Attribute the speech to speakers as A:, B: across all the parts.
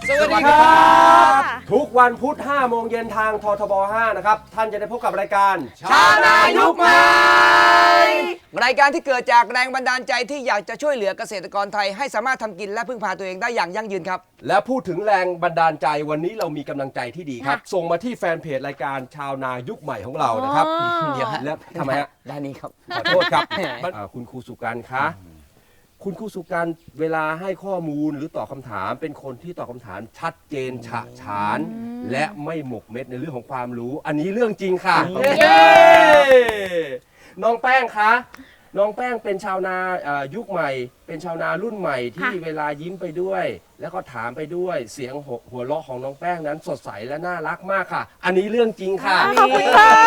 A: สวัสดีครับ
B: ทุกวันพุธ 5 โมงเย็นทางททบ 5 นะครับ ท่านจะได้พบกับรายการ
A: ชาวนายุคใหม่รายการที่เกิดจากแรงบันดาลใจที่อยากจะช่วยเหลือเกษตรกรไทยให้สามารถทำกินและพึ่งพาตัวเองได้อย่างยั่งยืนครับ
B: และพูดถึงแรงบันดาลใจวันนี้เรามีกำลังใจที่ดีครับ ส่งมาที่แฟนเพจรายการชาวนายุคใหม่ของเรานะครับ
A: เดี๋ยวฮะ
B: และทำไมฮะ
A: ด้านนี้ครับ
B: ขอโทษครับคุณครูสุการคะคุณครูสุการเวลาให้ข้อมูลหรือตอบคำถามเป็นคนที่ตอบคำถามชัดเจนฉะฉาน และไม่หมกเม็ดในเรื่องของความรู้ อันนี้เรื่องจริงค่ะเย้น้องแป้งคะน้องแป้งเป็นชาวนายุคใหม่ เป็นชาวนารุ่นใหม่ที่เวลายิ้มไปด้วย แล้วก็ถามไปด้วยเสียงหัวเราะของน้องแป้งนั้นสดใสและน่ารักมากค่ะ อันนี้เรื่องจริงค่ะ
C: ขอบคุณค่ะ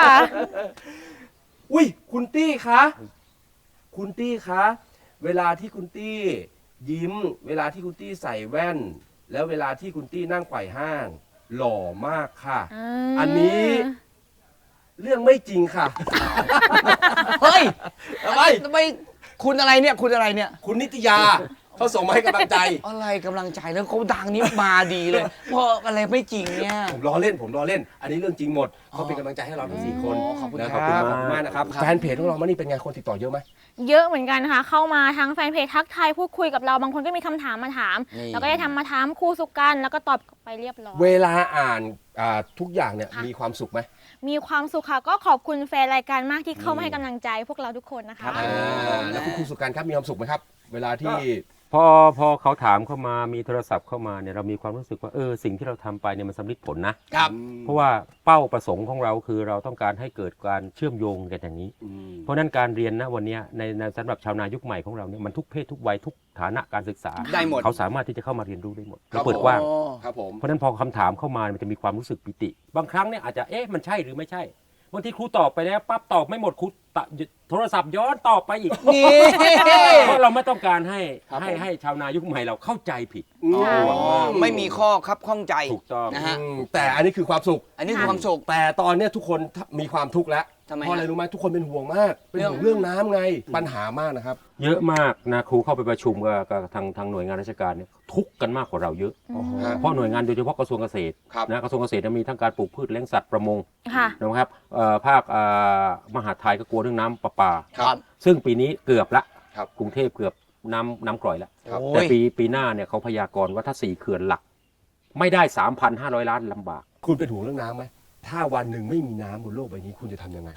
B: อุ้ยคุณตี้คะคุณตี้คะเวลาที่คุณตี้ยิ้ม เวลาที่คุณตี้ใส่แว่น แล้วเวลาที่คุณตี้นั่งไขว่ห้าง หล่อมากค่ะ อันนี้เรื่องไม่จริงค่ะ
A: เฮ้ย
B: ทำไม
A: ทำไมคุณอะไรเนี่ยคุณอะไรเนี่ย
B: คุณนิตยาเขาส่งมาให้กำลังใจ
A: อะไรกำลังใจแล้วเขาดังนี้มาดีเลยเพราะอะไรไม่จริงเนี่ย
B: ผมล้อเล่น อันนี้เรื่องจริงหมดเขาเป็นกำลังใจให้เราทั้ง4 คน
A: ขอบคุณ
B: นะ
A: ครับ
B: ขอบคุณมากนะครับ แฟนเพจของเรามานี่เป็นไงคนติดต่อเยอะไหม
C: เยอะเหมือนกันค่ะ เข้ามาทั้งแฟนเพจทักทายพูดคุยกับเราบางคนก็มีคำถามมาถาม แล้วก็ได้ทำมาถามครูสุกันแล้วก็ตอบไปเรียบร้อย
B: เวลาอ่านทุกอย่างเนี่ยมีความสุขไหม
C: มีความสุขค่ะก็ขอบคุณแฟนรายการมากที่เข้ามาให้กำลังใจพวกเราทุกคนนะคะ
B: แล้วคุณครูสุการครับมีความสุขไหมครับ เวลาที่
D: พอเขาถามเข้ามามีโทรศัพท์เข้ามาเนี่ยเรามีความรู้สึกว่าสิ่งที่เราทำไปเนี่ยมันสำเร็จผลนะครับ เพราะว่าเป้าประสงค์ของเราคือเราต้องการให้เกิดการเชื่อมโยงกันอย่างนี้ เพราะฉะนั้นการเรียนนะวันนี้ในสำหรับชาวนายุคใหม่ของเราเนี่ยมันทุกเพศทุกวัยทุกฐานะการศึกษา
A: ได้หมด
D: เขาสามารถที่จะเข้ามาเรียนรู้ได้หมด
B: ครับ
D: เปิดกว้าง
A: อ๋อ
B: ครับผม
D: เพราะฉะนั้นพอคำถามเข้ามามันจะมีความรู้สึกปิติ บางครั้งเนี่ยอาจจะมันใช่หรือไม่ใช่บางทีครูตอบไปแล้วปั๊บตอบไม่หมดครูโทรศัพท์ย้อนตอบไปอีก
A: นี่
D: เพราะเราไม่ต้องการให้ชาวนายุคใหม่เราเข้าใจผิด
A: ไม่มีข้อครับข้องใจ
D: ถูกต้อง
A: นะฮะ
B: แต่อันนี้คือความสุข
A: อันนี้คือความสุข
B: แต่ตอนเนี้ยทุกคนมีความทุกข์แล้ว
A: ทำไมฮะ
B: เพราะอะไรรู้ไหมทุกคนเป็นห่วงมาก เป็นห่วงเรื่องน้ำไง ปัญหามากนะครับ
D: เยอะมากนะครูเข้าไปประชุมกับทางหน่วยงานราชการเนี่ยทุกข์กันมากกว่าเราเยอะ เพราะหน่วยงานโดยเฉพาะกระทรวงเกษตร
B: ครับ
D: นะกระทรวงเกษตรมีทั้งการปลูกพืชเลี้ยงสัตว์ประมง
C: ค่ะ
D: นะครับภาคมหาดไทยก็กลัวเรื่องน้ำประปา
A: ครับ
D: ซึ่งปีนี้เกือบละ
B: ครับ
D: กรุงเทพเกือบน้ำกร่อยแล้ว
B: ครับ
D: แต่ปีหน้าเนี่ยเขาพยากรณ์ว่าถ้า4 เขื่อนหลัก ไม่ได้ 3,500 ล้านลำบาก
B: คุณเป็นห่วงเรื่องน้ำไหม ถ้าวันหนึ่งไม่มีน้ำบนโลกใบนี้คุณจะทำยังไง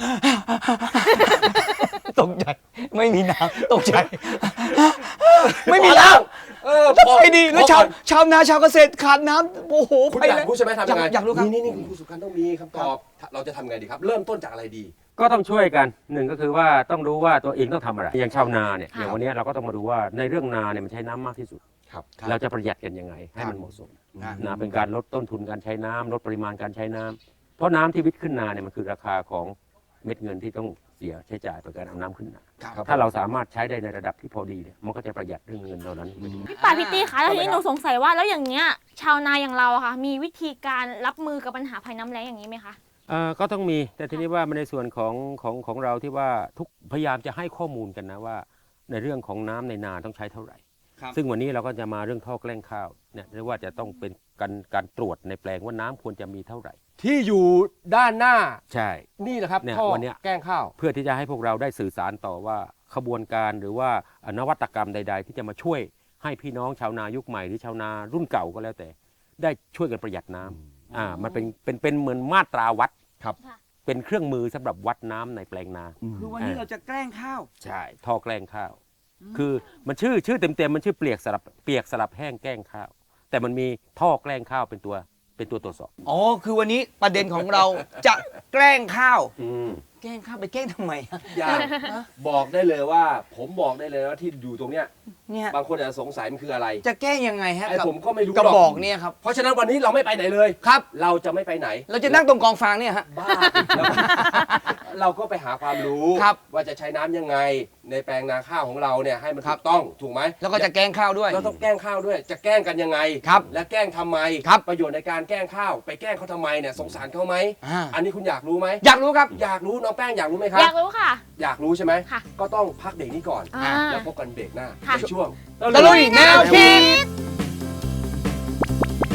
A: ตกใจไม่มีน้ำตกใจไม่มีน้ำ
B: พอ
A: ไอ้ดีแล้วชาวนาชาวเกษตรขาดน้ำโอ้โห
B: คุณ
A: ไป
B: อยาก
A: เลย
B: รู้ใช่ไหมทำยังไง
A: อยากรู้ครับ
B: นี่คุณครูสุการต้องมีคำตอบ เราจะทำไงดีครับ เริ่มต้นจากอะไรดี
D: ก็ต้องช่วยกันหนึ่งก็คือว่าต้องรู้ว่าตัวเองต้องทำอะไร อย่างชาวนาเนี่ยอย่างวันนี้เราก็ต้องมาดูว่าในเรื่องนาเนี่ยมันใช้น้ำมากที่สุด
B: ครับ
D: เราจะประหยัดกันยังไงให้มันเหมาะสมนะเป็นการลดต้นทุนการใช้น้ำลดปริมาณการใช้น้ำเพราะน้ำที่วิทย์ขึ้นนาเนี่ยมันคือราคาของเม็ดเงินที่ต้องเสียใช้จ่ายต่อการเอาน้ำขึ้นนา
B: ครับ
D: ถ้าเราสามารถใช้ได้ในระดับที่พอดีเนี่ยมันก็จะประหยัดเรื่องเงินเหล่านั้นไปด้วย
C: พี่ป่าพี่ตี้คะแล้วทีนี้หนูสงสัยว่าแล้วอย่างเงี้ยชาวนาอย่างเราอะค่ะ มีวิธีการรับมือกับปัญหาภัยน้ำแล้งอย่างนี้ไหมคะ
D: ก็ต้องมีแต่ทีนี้ว่าในส่วนของเราที่ว่าทุกพยายามจะให้ข้อมูลกันนะว่า ในเรื่องของน้ำในนาต้องใช้เท่าไหร่
A: ครับ
D: ซึ่งวันนี้เราก็จะมาเรื่องท่อแกล้งข้าวเนี่ยเรียกว่าจะต้องเป็นการตรวจในแปลงว่าน้ำควรจะมีเท่าไหร่
B: ที่อยู่ด้านหน้า
D: ใช่
B: นี่นะครับ
D: เนี่ย
B: ท่อ
D: วันเนี้ย
B: แกล้งข้าว
D: เพื่อที่จะให้พวกเราได้สื่อสารต่อว่าขบวนการหรือว่านวัตกรรมใด ๆ ที่จะมาช่วยให้พี่น้องชาวนายุคใหม่หรือชาวนารุ่นเก่าก็แล้วแต่ ได้ช่วยกันประหยัดน้ำมันเป็นเหมือนมาตราวัด
B: ครับ
D: เป็นเครื่องมือสำหรับวัดน้ำในแปลงนา
A: คือวันนี้เราจะแกล้งข้าว
D: ใช่ท่อแกล้งข้าว คือมันชื่อเต็มๆมันชื่อเปียกสลับแห้งแกล้งข้าว แต่มันมีท่อแกล้งข้าวเป็นตัวตรวจสอบ
A: อ๋อคือวันนี้ประเด็นของเราจะแกล้งข้าว แกล้งข้าวไปแกล้งทำไมอะ
B: อย่างบอกได้เลยว่า ผมบอกได้เลยว่าที่อยู่ตรงเนี้ย
A: เนี่ย
B: บางคนอาจจะสงสัยมันคืออะไร
A: จะแกล้งยังไงฮะ
B: ไอ้ผมก็ไม่รู้
A: กระ
B: หรอก
A: บอกเนี่ยครับ
B: เพราะฉะนั้นวันนี้เราไม่ไปไหนเลย
A: ครับ
B: เราจะไม่ไปไหน
A: เราจะนั่งตรงกองฟางเนี่ยฮะ
B: บ้าแล้วเราก็ไปหาความรู้
A: ครับ
B: ว่าจะใช้น้ำยังไง ในแปลงนาข้าวของเราเนี่ยให้มันถูกต้องถูกไหม
A: แล้วก็จะแกล้งข้าวด้วย
B: เราต้องแกล้งข้าวด้วย จะแกล้งกันยังไง
A: ครับ
B: และแกล้งทำไม
A: ครับ
B: ประโยชน์ในการแกล้งข้าว ไปแกล้งเขาทำไมเนี่ยสงสารเขาไหม
A: อ่า
B: อันนี้คุณอยากรู้ไหม
A: อยากรู้ครับ
B: อยากรู้น้องแป้งอยากรู้ไหมครับ
C: อยากรู้ค่ะ
B: อยากรู้ใช่ไหม
C: ค่ะ
B: ก็ต้องพักเบรกนี้ก่อน
C: อ่า
B: แล้วพบกันเบรกหน้า
C: ค่ะ
B: ในช่วง
A: ตะลุยแนวคิด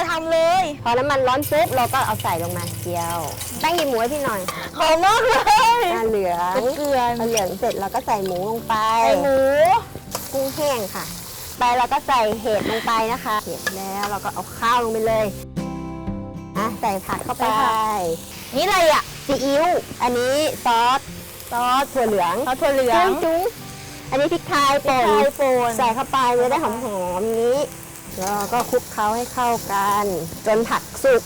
C: ทำเลย
E: พอน้ำมันร้อนปุ๊บเราก็เอาใส่ลงมาเจียวแป้งหยิบหมูให้พี่หน่อย
C: หอมมากเลย
E: เหลือง
C: เป็นเกลือ
E: พอเหลืองเสร็จเราก็ใส่หมูลงไป
C: ใส่หมู
E: กุ้งแห้งค่ะ ไปเราก็ใส่เห็ดลงไปนะคะเห็ดแล้วเราก็เอาข้าวลงไปเลยใส่ผักเข้าไป
C: นี่อะไรอ่ะ
E: ซีอิ๊วอันนี้ซอสถั่วเหลือง
C: ซอสถั่วเหลือง
E: จุ้งอันนี้พริกไทยป่น
C: พริกไทยป่น
E: ใส่เข้าไปจะได้หอมๆอย่างนี้แล้วเราก็คลุกเคล้าให้เข้ากันจนผักสุก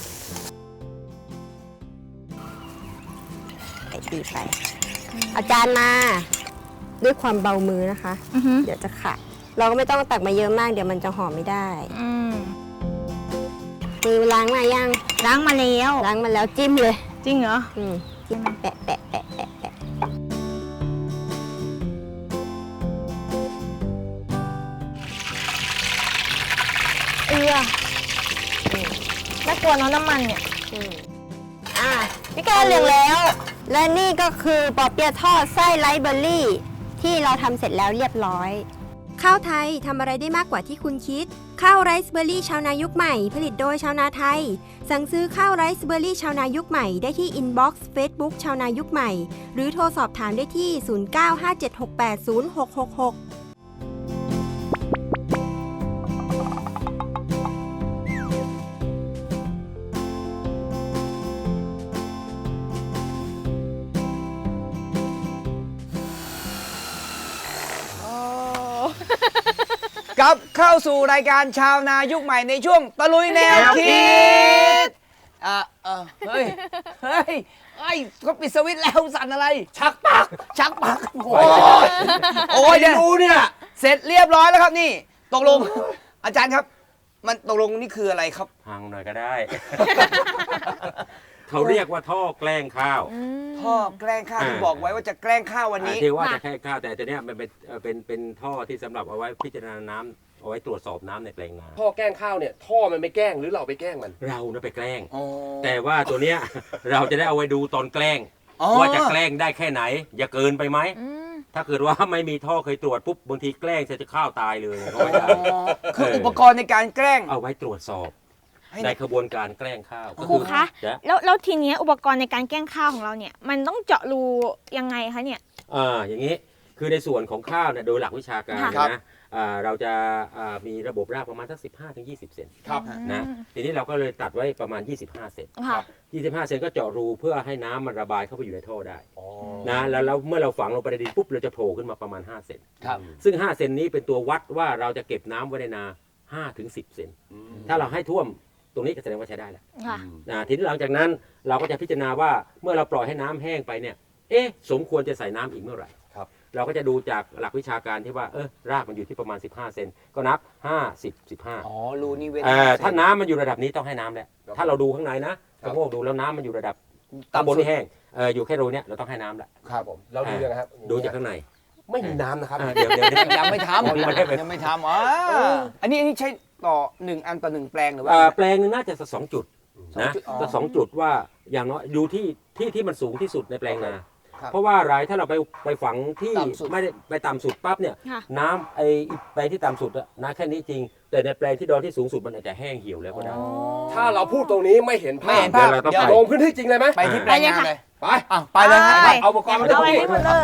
E: ใส่ตีไปเอาจารย์มาด้วยความเบามือนะคะ
C: อือหือ
E: เดี๋ยวจะขาดเราก็ไม่ต้องตักมาเยอะมากเดี๋ยวมันจะหอมไม่ได้
C: อืม
E: มือล้างมายัง
C: ล้างมาแล้ว
E: ล้างมาแล้วจิ้มเลย
C: จริงเหรอ
E: จิ้มแปะแปะแปะแปะแปะ
C: น่ากลัวเนาะน้ำมันเนี่ย
E: อ่ะ
C: พี่แกเหลืองแล้ว
E: และนี่ก็คือปอเปี๊ยะทอดไส้ไรซ์เบอร์รี่ ที่เราทำเสร็จแล้วเรียบร้อย ข้าวไทยทำอะไรได้มากกว่าที่คุณคิด ข้าวไรซ์เบอร์รี่ชาวนายุคใหม่ ผลิตโดยชาวนาไทย สั่งซื้อข้าวไรซ์เบอร์รี่ชาวนายุคใหม่ได้ที่อินบ็อกซ์เฟซบุ๊กชาวนายุคใหม่ หรือโทรสอบถามได้ที่ 0957680666
A: กลับเข้าสู่รายการชาวนายุคใหม่ในช่วงตะลุยแนวคิดเฮ้ยเขาปิดสวิตช์แล้วสั่นอะไร ชักปากโอ้ยเดี๋ยว
B: ดูเนี่ย
A: เสร็จเรียบร้อยแล้วครับนี่ตกลง อาจารย์ครับ มันตกลงนี่คืออะไรครับ
D: พังหน่อยก็ได้ เขาเรียกว่าท่อแกล้งข้าว
A: พ่อแกล้งข้าวที่บอกไว้ว่าจะแกล้งข้าววันนี้
D: ที่ว่าจะแค่ข้าวแต่ตัวเนี้ยมันเป็นท่อที่สำหรับเอาไว้พิจารณาน้ำเอาไว้ตรวจสอบน้ำในแปลงนา
B: ท่อแกล้งข้าวเนี่ยท่อมันไม่แกล้งหรือเราไปแกล้งมัน
D: เราเนี่ยไปแกล้ง
A: อ๋อ
D: แต่ว่าตัวเนี้ย เราจะได้เอาไว้ดูตอนแกล้ง
A: อ๋อ
D: ว่าจะแกล้งได้แค่ไหน อย่าเกินไปไหม ถ้าเกิดว่าไม่มีท่อเคยตรวจปุ๊บบางทีแกล้งจะข้าวตายเลยก็ไม่ได้
A: คืออุปกรณ์ในการแกล้ง
D: เอาไว้ตรวจสอบ
A: ให้
D: ในขบวนการแกล้งข้าวก็
C: ครูคะ
D: จะ
C: แล้วทีเนี้ยอุปกรณ์ในการแกล้งข้าวของเราเนี่ย มันต้องเจาะรูยังไงคะเนี่ย
D: อย่างนี้คือในส่วนของข้าวเนี่ยโดยหลักวิชาการ
A: ครับ
D: นะเราจะมีระบบรากประมาณสัก15-20 เซน
B: ครับ
D: นะทีนี้เราก็เลยตัดไว้ประมาณ25 เซน
C: ค่ะ
D: 25 เซนก็เจาะรูเพื่อให้น้ำมันระบายเข้าไปอยู่ในท่อได้นะแล้วเมื่อเราฝังลงไปในดินปุ๊บเราจะโผล่ขึ้นมาประมาณ5 เซน
A: ครับ
D: ซึ่ง5 เซนนี้เป็นตัววัดว่าเราจะเก็บน้ำไว้ในนา5-10 เซนถ้าเราให้ท่วมตรงนี้ก็แสดงว่าใช้ได้แล้ว
C: ค่ะ
D: ทีนี้หลังจากนั้นเราก็จะพิจารณาว่าเมื่อเราปล่อยให้น้ำแห้งไปเนี่ยสมควรจะใส่น้ำอีกเมื่อไหร่
B: ครับ
D: เราก็จะดูจากหลักวิชาการที่ว่ารากมันอยู่ที่ประมาณ15 เซนก็นับ5 10 15
A: อ๋อรูนี่เว้น
D: ถ้าน้ำมันอยู่ระดับนี้ต้องให้น้ำแล้วถ้าเราดูข้างในนะกระโงกดูแล้วน้ำมันอยู่ระดับข้างบน
A: ต่ำสุด
D: นี่แห้งอยู่แค่รูเนี้ยเราต้องให้น้ำแล้ว
B: ครับผมเราดูยังไงครับ
D: ดูจากข้างใน
B: ไม่มีน้ำนะครับ
D: เดี๋ยว
A: ยังไม่ทำ ยังไม่ทำอันนี้ใช้ต่อ1 อันต่อ 1 แปลงหรือว่า
D: แปลงหนึงน่าจะสัก2 จุดนะ
A: อ๋อ
D: สัก2 จุดว่าอย่างน้อยดูที่มันสูงที่สุดในแปลงนา
A: ครับ
D: เพราะว่าอะไรถ้าเราไปฝังที่
A: ต่ำสุด
D: ไม่ได้ไปต่ำสุดปั๊บเนี่ย
C: ค่ะ
D: น้ำไอ้แปลงที่ต่ำสุดอะน้ำแค่นี้จริง แต่ในแปลงที่ดอนที่สูงสุดมันอาจจะแห้งเหี่ยวแล้วก็ได้
B: ถ้าเราพูดตรงนี้ไม่เห็น
A: ไม่
B: ภาพ
A: เห็นภาพ
D: เดี๋ยวเราต้อง
A: เดี๋ยว
B: ลงพื้นที่จริงเลยไหม
A: ไปที่แปลงงานเลย
B: ไป
A: ไปเลยครับ
C: ไป
B: เอาอุปกรณ์มา
C: เอาไป
B: ดู
C: ให้หมดเลย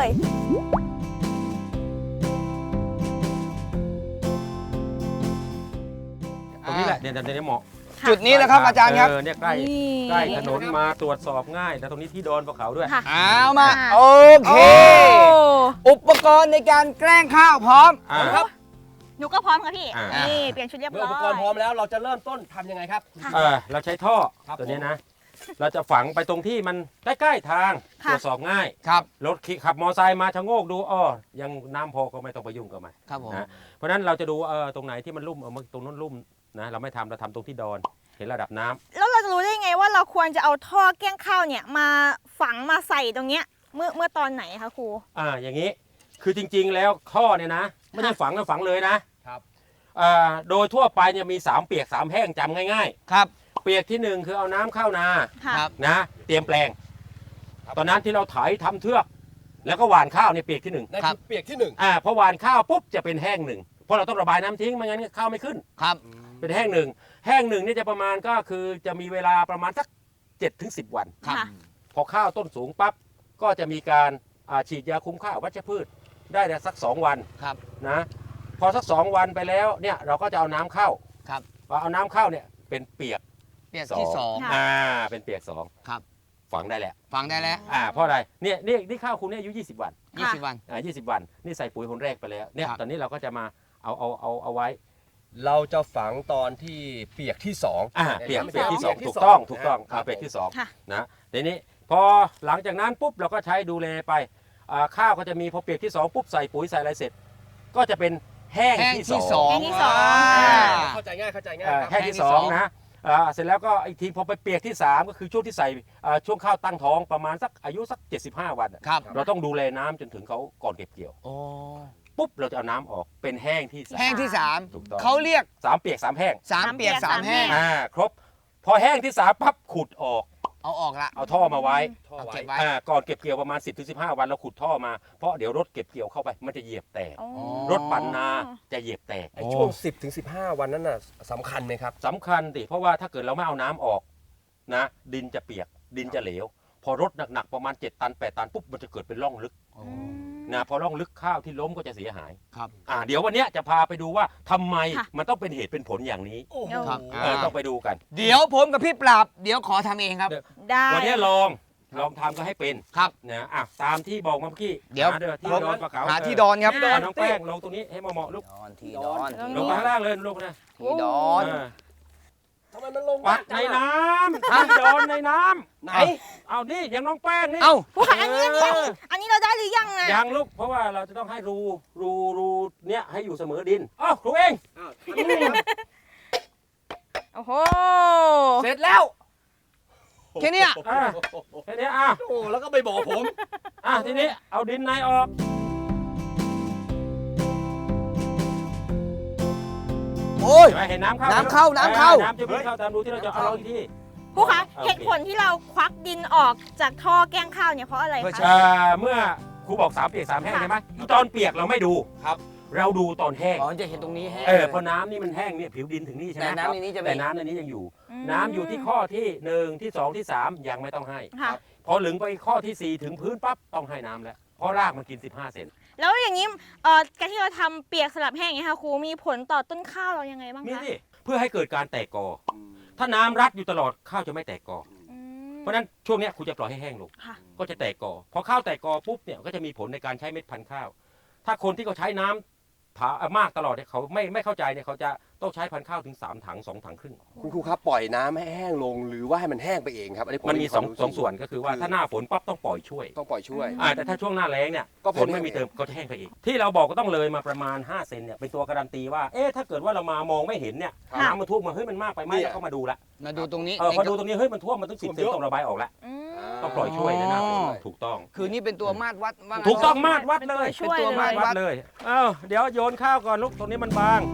D: ตรงนี้แหละเดี๋ยวเหมาะ
A: จุดนี้แหละครับอาจารย์ครับ
D: เนี่ยใกล้
C: นี่
D: ใกล้ถนนมาตรวจสอบง่ายแต่ตรงนี้ที่โดนภูเขาด้วย
C: ค่ะ
A: เอามา
C: อ่า
A: โอเค อุปกรณ์ในการแกล้งข้าวพร้อม
B: ครับ
C: หนูก็พร้อมค่ะพี่
D: อ่า
C: นี่เปลี่ยนชุดเรียบ
B: เมื่อ
C: ร้
B: อุ
C: อย
B: ปกรณ์พร้อมแล้วเราจะเริ่มต้นทำยังไงครับ
D: เราใช้ท่อ
B: ครับ
D: ตัวนี้นะ เราจะฝังไปตรงที่มันใกล้ๆทางต
C: ค่ะ
D: รวจสอบง่าย
A: ครับ
D: รถขับมอไซค์มาชะโงกดูยังน้ำพอก็ไม่ต้องไปยุ่งกับมัน
A: ครับผม
D: นะเพราะฉะนั้นเราจะดูตรงไหนที่มันลุ่มตรงนั้นลุ่มนะเราไม่ทำเราทำตรงที่ดอนเห็นระดับน้ำ
C: แล้วเราจะรู้ได้ไงว่าเราควรจะเอาท่อแกล้งข้าวเนี่ยมาฝังมาใส่ตรงเนี้ยเมื่อตอนไหนคะครู
D: อย่างนี้คือจริงๆแล้วท่อเนี่ยนะไม่ได้ฝังแล้วฝังเลยนะครับ โดยทั่วไปเนี่ยมี3เปียก3แห้งจำง่าย
A: ครับ
D: ๆ เปียกที่ 1 คือเอาน้ำเข้านา
C: ค่ะ
A: ครับ
D: นะเตรียมแปลง ตอนนั้นที่เราไถทำเทือก แล้วก็หว่านข้าวเนี่ยเปียกที่ 1
B: นั่นคือเปียกที่หนึ่ง
D: พอหว่านข้าวปุ๊บจะเป็นแห้ง 1เพราะเราต้องระบายน้ำทิ้งไม่งั้นข้าวไม่ขึ้น
A: ครับ
D: เป็นแห้ง 1 แห้งหนึ่งนี่จะประมาณก็คือจะมีเวลาประมาณสัก7 ถึง 10 วัน
C: ค่ะ
D: พอข้าวต้นสูงปั๊บก็จะมีการฉีดยาคุมข้าววัชพืชได้สัก 2 วัน
A: ครับ
D: นะพอสัก 2 วันไปแล้วเนี่ยเราก็จะเอาน้ำเข้า
A: ครับ
D: พอเอาน้ำเข้าเนี่ยเป็นเปียก
A: เปียกที่สอง
C: ค่ะ
D: เป็นเปียกสอง
A: ครับ
D: ฝังได้แหละ
A: ฟังได้แล้ว
D: เพราะอะไรเนี่ยนี่ข้าวคุณเนี่ยอายุ20 วัน
A: 20 วัน
D: 20 วันนี่ใส่ปุ๋ยคนแรกไปแล้วเนี่ย
A: ครับ
D: ตอนนี้เราก็จะมาเอาไว้
B: เราจะฝังตอนที่เปียกที่สอง
D: เปียกที่สอง
B: เปียกที่
D: ถูกต้อง
B: สอง
D: ถูกต้อง
B: ครับ
D: เปียกที่สอง
C: ค่ะ
D: นะทีนี้พอหลังจากนั้นปุ๊บเราก็ใช้ดูแลไปข้าวก็จะมีพอเปียกที่สองปุ๊บใส่ปุ๋ยใส่อะไรเสร็จ ก็จะเป็นแห้ง
A: แห้ง
D: ที่
A: ที่
D: ส
A: ส
D: อ
A: อง ง
C: แห้งที่สอง
B: เข้าใจง่ายเข้าใจง่าย
D: แห้งที่สองนะเสร็จแล้วก็อีกทีพอไปเปียกที่3ก็คือช่วงที่ใส่ช่วงข้าวตั้งท้องประมาณสักอายุสัก75 วัน
A: ครับ
D: เราต้องดูแลน้ำจนถึงเขาก่อนเก็บเกี่ยว
A: โอ้
D: ปุ๊บเราจะเอาน้ำออกเป็นแห้งที่สาม
A: แห้งที่
D: ถูกต้อง
A: 3เขาเรียก
D: 3 เปียก 3 แห้ง
A: 3 เปียก 3 แห้ง
D: ครบพอแห้งที่3ปั๊บขุดออก
A: เอาออกละ
D: เอาท่อมาไว้
A: เอาเก็บไว้
D: ก่อนเก็บเกี่ยวประมาณ 10-15 วันเราขุดท่อมาเพราะเดี๋ยวรถเก็บเกี่ยวเข้าไปมันจะเหยียบแตก
C: อ๋อ
D: รถปั่นนาจะเหยียบแตก
B: ไอ้ช่วง 10 ถึง 15 วันนั้นน่ะสำคัญไหมครับ
D: สำคัญดิเพราะว่าถ้าเกิดเราไม่เอาน้ำออกนะดินจะเปียกดินจะเหลว พอรถหนักๆประมาณ7 ตัน 8 ตันปุ๊บมันจะเกิดเป็นร่องลึกนะพอร่องลึกข้าวที่ล้มก็จะเสียหาย
A: ครับ
D: เดี๋ยววันเนี้ยจะพาไปดูว่าทำไม
C: ค่ะ
D: มันต้องเป็นเหตุเป็นผลอย่างนี้
A: ครับ
D: ต้องไปดูกัน
A: เดี๋ยวผมกับพี่ปราบ เดี๋ยวขอทำเองครับ
C: ได้
D: วันนี้ลองทำก็ให้เป็น
A: ครับ
D: นะตามที่บอกมาเมื่อกี้
A: เดี๋ยว
D: หาที่ดอนปลาเก๋า
A: หาที่ดอนครับ
D: ที่ดอนน้องแป้งลงตรงนี้ให้เหมาะๆลูก
A: ที่ดอน
D: ลงไปข้างล่างเลยลูกนะ
A: ที่ดอน
B: ทำไมมันลง
D: ปักในน้ำที่ดอนในน้ำ
B: ไหน
D: เอานี่อย่างน้องแป้งนี่
A: เอ้า
C: ผู้ขายอันนี้เราได้หรือยังนะ
D: ยังลูกเพราะว่าเราจะต้องให้รูเนี้ยให้อยู่เสมอดินอ้าวครูเอง
C: โอ้โห
A: เสร็จแล้วแค่เนี้ย
D: แค่นี้
B: โอ้แล้วก็ไปบอกผม
D: ทีนี้เอาดินในออก
A: โอ้ย
D: เห็นน้ำเข้า
A: น้ำเข้าน้ำเข้า
D: น้ำจะวิ่งเข้าตามรูที่เราจะเอาอีกที่
C: ผู้ขาย
D: โอเค
C: เหตุผลที่เราควักดินออกจากท่อแกล้งข้าวเนี่ยเพราะอะไร
A: เพื่อ
C: คะ
A: ใช้
D: เมื่อครูบอก3 เปียก 3 แห้งใช่ไหมตอนเปียกเราไม่ดู
B: ครับ
D: เราดูตอนแห้ง
A: อ๋อจะเห็นตรงนี้แห้ง
D: เพราะน้ำนี่มันแห้งเนี่ยผิวดินถึงนี่ใช่ไหม
A: แต่น้ำในนี้จะไม่
D: แต่น้ำในนี้ยังอยู่ น้ำอยู่ที่ข้อที่1ที่2ที่3ยังไม่ต้องให้
C: ค่ะ
D: พอหลึงไปข้อที่4ถึงพื้นปั๊บต้องให้น้ำแล้วเพราะรากมันกิน15 เซน
C: แล้วอย่างนี้การที่เราทำเปียกสลับแห้งอย่างนี้ยค่ะครูมีผลต่อต้นข้าวเรายังไงบ้าง
D: มี
C: คะ
D: สิเพื่อให้เกิดการแตกกอ ถ้าน้ำรัดอยู่ตลอดข้าวจะไม่แตกกอ
C: อืม
D: เพราะฉะนั้นช่วงเนี้ยคุณจะปล่อยให้แห้งลง
C: ค่ะ
D: ก็จะแตกกอพอข้าวแตกกอปุ๊บเนี่ยก็จะมีผลในการใช้เม็ดพันธุ์ข้าว ถ้าคนที่เขาใช้น้ำมากตลอดเนี่ยเขาไม่เข้าใจเนี่ยเขาจะต้องใช้พันธุ์ข้าวถึง3 ถัง 2 ถังครึ่ง
B: คุณครูครับปล่อยน้ำให้แห้งลงหรือว่าให้มันแห้งไปเองครับอันนี้ผ
D: มันมี
B: ควารู้
D: สองส่วนก็คือว่าถ้าหน้าฝนปั๊บต้องปล่อยช่วย
B: ต้องปล่อยช่วย
D: แต่ถ้าช่วงหน้าแล้งเนี่ย
B: ก็
D: ฝนไม่มีเติมก็จะแห้งไปอีก ที่เราบอกก็ต้องเลยมาประมาณ5 เซนเนี่ยเป็นตัวการันตีว่าถ้าเกิดว่าเรามามองไม่เห็นเนี่ย
B: ครับ
D: น้ำมันท่วมมาเฮ้ยมันมากไปไหม
B: เนี่ย
D: เราก็มาดูละ
A: มาดูตรงนี้
D: พอดูตรงนี้เฮ้ยมันท่วมมันต้อง10 เซนต้องระบายออกแล้ว
C: อืม
D: ต้องปล่อยช่วยในหน้าฝน
A: อ๋อ
D: ถูกต้อง
A: คือนี่เป็นตัวมาตรวัดว่างั้น
D: ถูกต้องมาตรวัดเลย
C: ช่วย
A: เป็นตัว
C: เล
A: มาต
C: ย
A: ร
D: วัดเลยเดี๋ยวโยนข้าวก่อนลูกตรงนี้มันบาง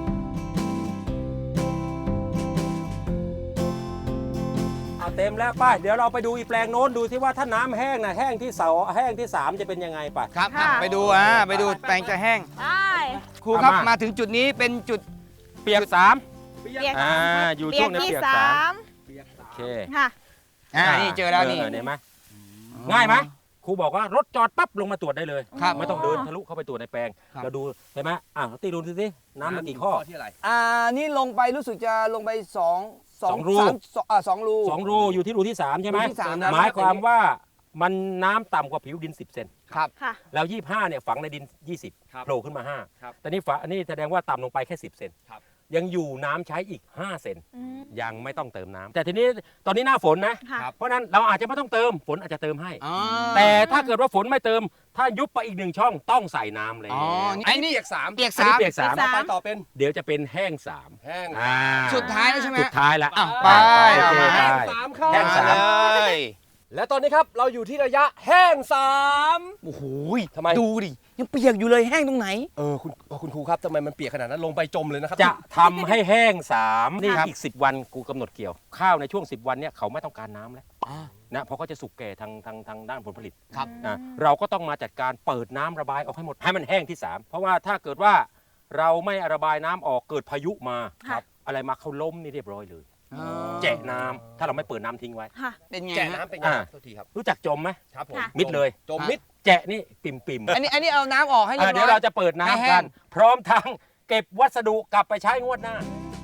D: เต็มแล้วป้าเดี๋ยวเราไปดูอีกแปลงโน้นดูที่ว่าถ้าน้ำแห้งนะแห้งที่แห้งที่3จะเป็นยังไงป่ะ
A: ครับ
C: ค่ะ
A: ไปดูไปดูแปลงจะแห้ง
C: ได้
A: ครูครับ
D: เอามา
A: มาถึงจุดนี้เป็นจุด
D: เปียก
C: เปียก
D: อยู่
C: เปี
D: ช่
C: ยว ก
D: งใน
C: ที่
D: เปียก
C: สาม
D: โอเค
C: ค่ะ
A: นี่เจอแล้วนี่
D: เห็นไหมง่ายไหมครูบอกว่ารถจอดปั๊บลงมาตรวจได้เลย
A: ครับ
D: ไม่ต้องเดินทะลุเข้าไปตรวจในแปลง
A: ครับ
D: เราดูเห็นไหมตีดูสิน้ำมันกี่ข้อ
B: ที่อะไร
A: นี่ลงไปรู้สึกจะลงไป2
D: สองรู
A: 2 รู
D: 2 รูอยู่ที่รูที่ 3 ใช่ไหม
A: รูที่สามนะ
D: หมายความว่ามันน้ำต่ำกว่าผิวดิน 10 เซน
A: ครับ
C: ค่ะ
D: แล้ว25เนี่ยฝังในดิน 20โผล่ขึ้นมา
B: ครับ
D: 5แต่นี่อันนี้แสดงว่าต่ำลงไปแค่10 เซน
B: ครับ
D: ยังอยู่น้ำใช้อีก5 เซน
C: อืม
D: ยังไม่ต้องเติมน้ำแต่ทีนี้ตอนนี้หน้าฝนนะ
C: ค่ะ
D: เพราะฉะนั้นเราอาจจะไม่ต้องเติมฝนอาจจะเติมให้
A: อ๋อ
D: แต่ถ้าเกิดว่าฝนไม่เติม ถ้ายุบไปอีก1 ช่องต้องใส่น้ำเลย
A: อ๋อ
B: ไอ้นี่เปียก3
A: เปียก
D: อันนี้
A: 3
D: เปียก
C: เปียก
D: 3
C: สาม
B: ไปต่อเป็น
D: เดี๋ยวจะเป็นแห้ง3
B: แห้ง
A: สุดท้ายแล้วใช่ไหม
D: สุดท้ายละ
A: อ้าวไป
D: โอเค
A: ไป
D: ไป
B: 3เข้า
D: แห้งสาม
A: เลย
B: และตอนนี้ครับเราอยู่ที่ระยะแห้ง3
A: โอ้โห
B: ทำไม
A: ดูดิยังเปียกอยู่เลยแห้งตรงไหน
B: คุณครูครับทำไมมันเปียกขนาดนั้นลงไปจมเลยนะครับ
D: จะทำให้แห้ง3นี่
A: ครับ
D: อีก10 วันกูกำหนดเกี่ยว ข้าวในช่วง10 วันเนี่ยเขาไม่ต้องการน้ำแล้ว
A: อ่า
D: นะเพราะเขาจะสุกแก่ทางด้านผลผลิต
A: ครับ
D: นะเราก็ต้องมาจัดการเปิดน้ำระบายออกให้หมดให้มันแห้งที่ 3 เพราะว่าถ้าเกิดว่าเราไม่ระบายน้ำออกเกิดพายุมา
C: ค่ะ
D: อะไรมาเขาล้มนี่เรียบร้อยเลย
A: อ๋อ
D: แจะน้ำถ้าเราไม่เปิดน้ำทิ้งไว้
C: ค่ะ
A: เป็นไง
B: แจะ
A: ฮะ
B: น้ำเป็นไง
D: อ่า
B: โทษทีครับ
D: รู้จักจมไหม
B: ครับผม
C: ค่ะ
D: มิดเลย
B: จมมิด
D: แจะนี่ปิ่ม
A: อันนี้เอาน้ำออกให้เรียบร้อย
D: เดี๋ยวเราจะเปิด
A: ให้แห้
D: น้ำกั
A: ง
D: น พร้อมทั้งเก็บวัสดุกลับไปใช้งวดหน้า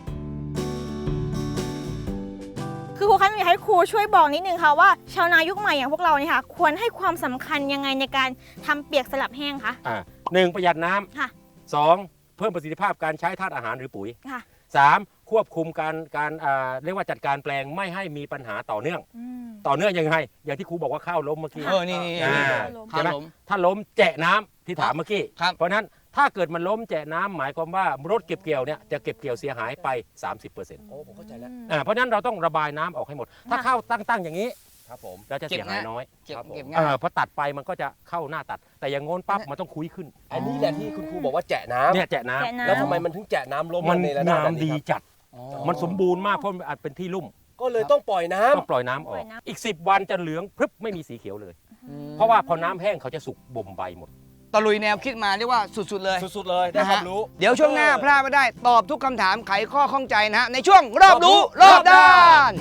C: คือครูคะอยากให้ครูช่วยบอกนิดนึงค่ะว่าชาวนายุคใหม่อย่างพวกเราเนี่ยค่ะ ควรให้ความสำคัญยังไงในการทำเปียกสลับแห้งคะ
D: หนึ่งประหยัดน้
C: ค่ะ
D: ำสองเพิ่มประสิทธิภาพการใช้ธาตุอาหารหรือปุ๋ย
C: ค่ะ
D: สามควบคุมการเรียกว่าจัดการแปลงไม่ให้มีปัญหาต่อเนื่อง
C: อืม
D: ต่อเนื่องยังไงอย่างที่ครูบอกว่าข้าวล้มเมื่อกี้
A: นี่
D: อ่า
A: ข้า
D: ใช่ไหม
A: ล้ม
D: ถ้าล้มแจะน้ำที่ถามเมื่อกี้
A: ครับ
D: เพราะฉะนั้นถ้าเกิดมันล้มแจะน้ำหมายความว่ารถเก็บเกี่ยวเนี่ยจะเก็บเกี่ยวเสียหายไป 30%
B: โอ้ผมเข้าใจแล้ว
D: เพราะฉะนั้นเราต้องระบายน้ำออกให้หมด ถ้า
C: ค่ะ
D: ข้าวตั้งอย่างนี้
B: ครับผม
D: เราจะเสียหายน้อย
A: เก็บ
B: ครับผม
A: เก็บง่าย
D: พอตัดไปมันก็จะเข้าหน้าตัด แต่อย่างโน้นปั๊บมันต้องคุยขึ้น
B: อันนี้แหละที่คุณครูบอกว่าแจะน้ำ
D: เนี่ยแจะน้
C: แจะ
D: ำ
C: น้ำ
B: แล้วทำไมมันถึงแจะน้ำล้ม
D: มัน
B: ในระดับแบบ
D: น้ำดี
B: นี้ครับ
D: จัด
A: อ๋อ
D: มันสมบูรณ์มากเพราะมันอาจเป็นที่ลุ่ม
B: ก็เลยต้องปล่อยน้ำ
D: ต้องปล่อยน้ำอ
C: ปล่
D: อ
C: อก ยน้ำ
D: อีก 10 วันจะเหลืองพรึบไม่มีสีเขียวเลย
A: อืม
D: เพราะว่าพอน้ำแห้งเขาจะสุกบ่มใบหมด
A: ตะลุยแนวคิดมาเรียกว่าสุดๆเลย
B: สุดๆเลยได้ความรู้
A: เดี๋ยวช่วงหน้าพลาดไม่ได้ตอบทุกคำถามไขข้อข้องใจนะฮะในช่วงรอบรู้รอบด้าน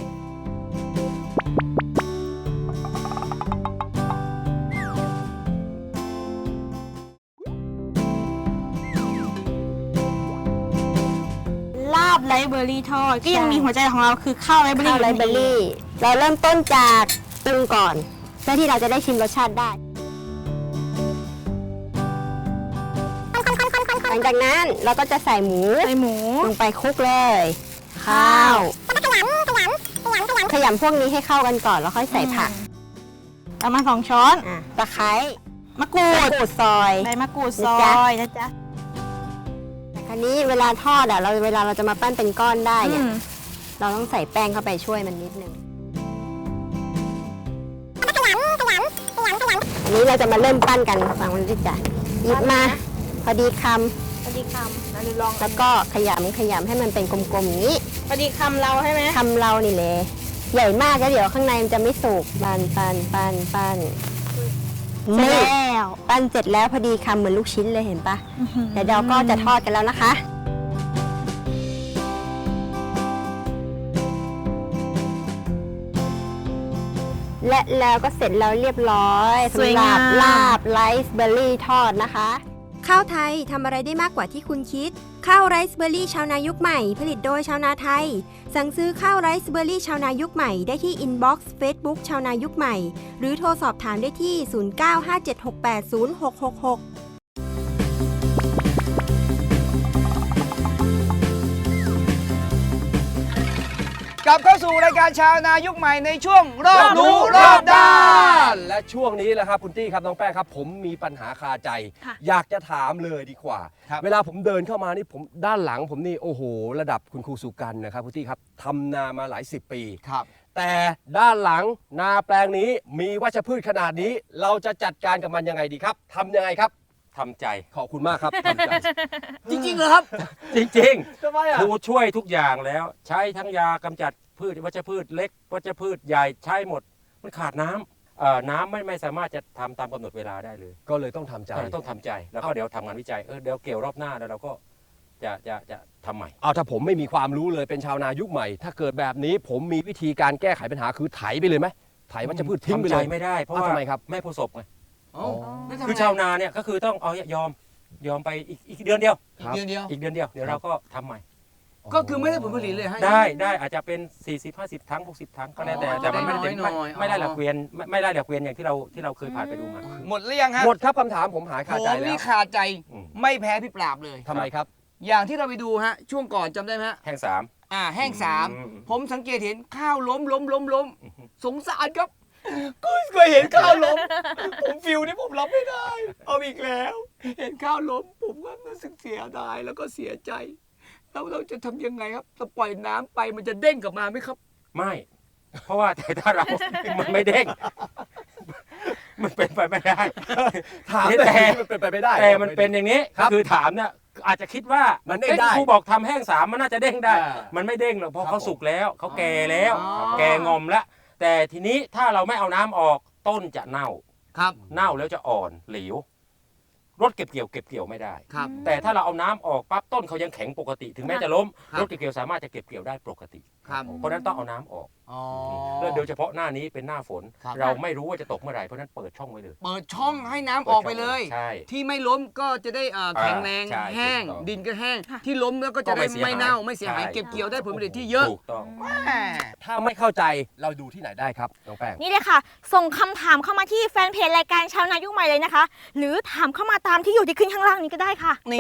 C: ลาบไรเบอร์รี่ทอดก็ยังมีหัวใจของเราคือข้าวไรเบอร์
E: ข้า
C: รี่
E: วไรเบอรี่ เราเริ่มต้นจากปรุงก่อน เพื่อที่เราจะได้ชิมรสชาติได้ หลังจากนั้นเราก็จะใส่หมู
C: ใส่หมู
E: ลงไปคลุกเลย ข้าว ขยำพวกนี้ให้เข้ากันก่อนแล้วค่อยใส่ผัก
C: ประมาณ2 ช้อน
E: ตะไคร้
C: มะกรูด
E: มะกรูดซอย
C: ใบมะกรูดซ
E: นะ
C: อ
E: จ๊ะ
C: ยนะจ๊ะ
E: คราวนี้เวลาทอดอ่ะเวลาเราจะมาปั้นเป็นก้อนได้เนี่ย
C: อืม
E: เราต้องใส่แป้งเข้าไปช่วยมันนิดนึงอันนี้เราจะมาเริ่มปั้นกันฟังมันดิจ้ะหยิบมาพอดีค
C: พอดีคำเราลอง
E: ำแล้วก็ขยำให้มันเป็นกลมๆอย่างนี้
C: พอดีคำเราใช่ไหม
E: คำเรานี่แหละใหญ่มากแล้วเดี๋ยวข้างในมันจะไม่สุกปั้นเสร็จแล้วปั้นเสร็จแล้วพอดีคำเหมือนลูกชิ้นเลยเห็นปะเดี๋ยวเราก็จะทอดกันแล้วนะคะ และแล้วก็เสร็จแล้วเรียบร้อยสำหรับลาบไรซ์เบอร์รี่ทอดนะคะ ข้าวไทยทำอะไรได้มากกว่าที่คุณคิด ข้าวไรซ์เบอร์รี่ชาวนายุคใหม่ ผลิตโดยชาวนาไทย สั่งซื้อข้าวไรซ์เบอร์รี่ชาวนายุคใหม่ได้ที่อินบ็อกซ์เฟซบุ๊กชาวนายุคใหม่ หรือโทรสอบถามได้ที่ 0957680666
A: กลับเข้าสู่รายการชาวนายุคใหม่ในช่วงรอบรู้รอบด้าน
B: และช่วงนี้แหละครับคุณตี้ครับน้องแป้งครับ ผมมีปัญหาคาใจ
C: ค่ะ
B: อยากจะถามเลยดีกว่า
A: ครับ
B: เวลาผมเดินเข้ามานี่ผมด้านหลังผมนี่โอ้โห ระดับคุณครูสุกันนะครับคุณตี้ครับทำนามาหลาย10 ปี
A: ครับ
B: แต่ด้านหลังนาแปลงนี้มีวัชพืชขนาดนี้ เราจะจัดการกับมันยังไงดีครับทำยังไงครับ
D: ทำใจ
B: ขอบคุณมากครับทำใจ
A: จริงๆเหรอครับ
D: จริง
B: ทำไม
D: ๆ
B: อ่ะ
D: ครูช่วยทุกอย่างแล้ว ใช้ทั้งยากำจัดพืชวัชพืชเล็กวัชพืชใหญ่ใช้หมด มันขาดน้ำน้ำไม่สามารถจะทำตามกำหนดเวลาได้เลย
B: ก็เลยต้องทำใจ
D: ต้องทำใจแล้วก็เดี๋ยวทำงานวิจัยเดี๋ยวเกี่ยวรอบหน้าแล้วเราก็จะทำใหม่
B: เอาถ้าผมไม่มีความรู้เลยเป็นชาวนายุคใหม่ ถ้าเกิดแบบนี้ผมมีวิธีการแก้ไขปัญหาคือไถไปเลยไหมไถวัชพืชทิ้งไป
D: ทำใจ
B: เลย
D: ไม่ได้เพราะ
B: อ้าว
D: ว่า
B: ทำไมครับ
D: ไม่ประสบไง
A: แล้วทำไง
D: คือชาวนาเนี่ยก็คือต้องเอายอมไปอีกเดือนเดียว
B: ครับ
A: เดียว
D: อีกเดือนเดียวเดี๋ยวเราก็ทำใหม่
A: ก็คือไม่ได้ผลผลิตเลยฮะ
D: ได้อาจจะเป็น 40-50 ทั้ง 60 ทั้งก็แล้วแต่
A: อ๋อ
D: แต่มันไม่ได้
A: ได้น้อยๆ
D: ไม่ได้หลักเกวียนไม่ได้หลักเกวียนอย่างที่เราเคยผ่านไปดูมา
A: หมดหรือยังฮะ
B: หมดครับคำถามผมหายคาใจ
A: ผม
B: แล้
A: นี่
B: ว
A: ขาดใจ
D: อืม
A: ไม่แพ้พี่ปราบเลย
B: ทำไมครับ
A: อย่างที่เราไปดูฮะช่วงก่อนจำได้ไหมฮะ
D: แห้งสาม
A: แห้งสาม
D: อืม
A: ผมสังเกตเห็นข้าวล้มสงสารครับก็เคยเห็นข้าวล้ม ผมฟิลนี่ผมรับไม่ได้ เอาอีกแล้ว เห็นข้าวล้มผมก็รู้สึกเสียดายแล้วก็เสียใจแล้วเราจะทำยังไงครับถ้าปล่อยน้ำไปมันจะเด้งกลับมาไหมครับ
D: ไม่ เพราะว่าแต่ถ้าเรา มันไม่เด้ง มันเป็นไปไม่ได้
B: ถาม
D: แต่
B: มันเป็นไปไม่ได้
D: แต่มันเป็นอย่างนี้
B: ครับ
D: คือถามเนี่ยอาจจะคิดว่า
B: มั
D: มัน
B: เด้งได้
D: ครูบอกทำแห้งสามมันน่าจะเด้งได้
B: อ่า
D: มันไม่เด้งหรอกเพราะ
B: ครับ
D: เขาสุกแล้วเขาแก่แล้ว
A: อ๋อ
D: แก่งอมแล้วแต่ทีนี้ถ้าเราไม่เอาน้ำออกต้นจะเน่า
A: ครับ
D: เน่าแล้วจะอ่อนเหลวรถเก็บเกี่ยวไม่ได้
A: ครับ
D: แต่ถ้าเราเอาน้ำออกปั๊บต้นเขายังแข็งปกติ ถึงแม้จะล้ม
A: ครับ
D: รถเก็บเกี่ยวสามารถจะเก็บเกี่ยวได้ปกติ
A: ครับ
D: เพราะฉะนั้นต้องเอาน้ำออก
A: อ๋อ
D: แล้วโดยเฉพาะหน้านี้เป็นหน้าฝน
A: ครับ
D: เราไม่รู้ว่าจะตกเมื่อไหร่เพราะฉะนั้นเปิดช่องไว้เลย
A: เปิดช่องให้น้ำออกไปเลย
D: ใช่
A: ที่ไม่ล้มก็จะได้แข็งแรง
D: ใช่
A: แห้ง
D: ถูกต้อง
A: ดินก็แห้ง
C: ค่ะ
A: ที่ล้มแล้วก็จะได้
D: ก็ไม่เสียหาย
A: ไม่เน่าไม่เสียหาย
D: ใช่
A: เก็บเกี่ยวได้ผลผลิตที่เยอะ
D: ถูกต้อง
A: แม่
B: ถ้าไม่เข้าใจเราดูที่ไหนได้ครับน้องแป้ง
C: นี่เลยค่ะ ส่งคำถามเข้ามาที่แฟนเพจรายการชาวนายุคใหม่เลยนะคะ หรือถามเข้ามาตามที่อยู่ที่ขึ้นข้างล่างนี้ก็ได้ค่ะ
A: นี่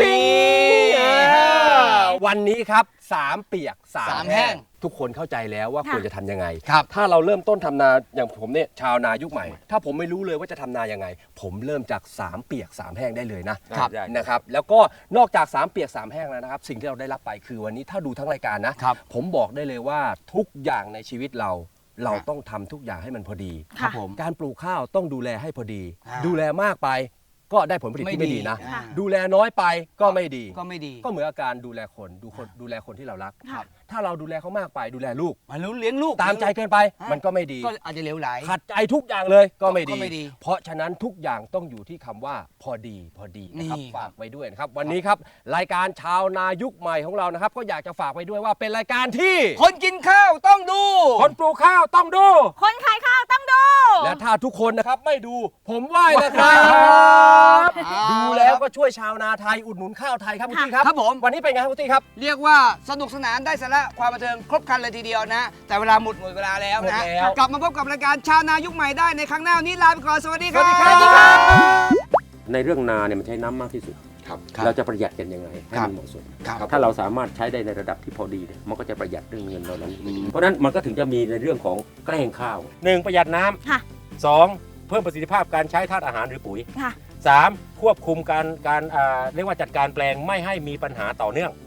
B: วันนี้ครับ3เปียก
A: สาม
B: 3
A: แห้
B: แห้
A: ง
B: งทุกคนเข้าใจแล้วว่า
C: ค่ะ
B: ควรจะทำยังไง
A: ครับ
B: ถ้าเราเริ่มต้นทำนาอย่างผมเนี่ยชาวนายุคใหม่ ถ้าผมไม่รู้เลยว่าจะทำนายังไง ผมเริ่มจาก3เปียก3แห้งได้เลยนะครับ
D: ได้
B: นะครับแล้วก็นอกจาก3เปียก3แห้งแล้วนะครับสิ่งที่เราได้รับไปคือวันนี้ถ้าดูทั้งรายการนะครับ ผมบอกได้เลยว่าทุกอย่างในชีวิตเราต้องทำทุกอย่างให้มันพอดี
A: ครับผม
B: การปลูกข้าวต้องดูแลให้พอดี
A: อ่า
B: ดูแลมากไปก็ได้ผลผลิตที่ไม่ดีนะ
A: ค่ะ
B: ดูแลน้อยไปก็ไม่ดี
A: ก็ไม่ดี
B: ก็เหมือนกับการดูแลคนดูแลคนที่เรารัก
C: ครับ
B: ถ้าเราดูแลเขามากไปดูแลลูก
A: มันรู้เลี้ยงลูก
B: ตามใจเกินไป
A: ฮะ
B: มันก็ไม่ดี
A: ก็อาจจะเหลวไหล
B: ขัดใจทุกอย่างเลยก็ไม่
A: ก็ไม่ดี
B: เพราะฉะนั้นทุกอย่างต้องอยู่ที่คำว่าพอดีนะครับ
A: นี่
B: ฝากไว้ด้วยนะครับ วันนี้ครับรายการชาวนายุคใหม่ของเรานะครับ ก็อยากจะฝากไว้ด้วยว่าเป็นรายการที่
A: คนกินข้าวต้องดู
B: คนปลูกข้าวต้องดู
C: คนขายข้าวต้องดู
B: และถ้าทุกคนนะครับไม่ดูผมไหว้นะครับ ดูแล้วก็ช่วยชาวนาไทยอุดหนุนข้าวไทยครับคุณตี้ครับ
A: ครับผม
B: วันนี้เป็นไงครับคุณตี้ครับ
A: เรียกว่าสนุกสนานได้สาระความบันเทิงครบครันเลยทีเดียวนะ แต่เวลาหมดเวลาแล้วนะ
B: หมดแล้ว
A: กลับมาพบกับรายการชาวนายุคใหม่ได้ในครั้งหน้าวันนี้ลาไปก่อนสวัสดีครับ
B: สวัสดีครับ
D: ในเรื่องนาเนี่ยมันใช้น้ำมากที่สุด
B: ครับ
D: เราจะประหยัดกันยังไงให้
A: ครั
D: มั
A: บ
D: นเหมาะสม
A: ครับ
D: ถ้าเราสามารถใช้ได้ในระดับที่พอดีเนี่ยมันก็จะประหยัดเรื่องเงินเรานั้น เพราะฉะนั้นมันก็ถึงจะมีในเรื่องของแกล้งข้าวหนึ่งประหยัดน้
C: ค่ะ
D: ำสองเพิ่มประสิทธิภาพการใช้ธาตุอาหารหรือปุ๋ย
C: ค่ะ
D: สามควบคุมการเรียกว่าจัดการแปลงไม่ให้มีปัญหาต่อเนื่อง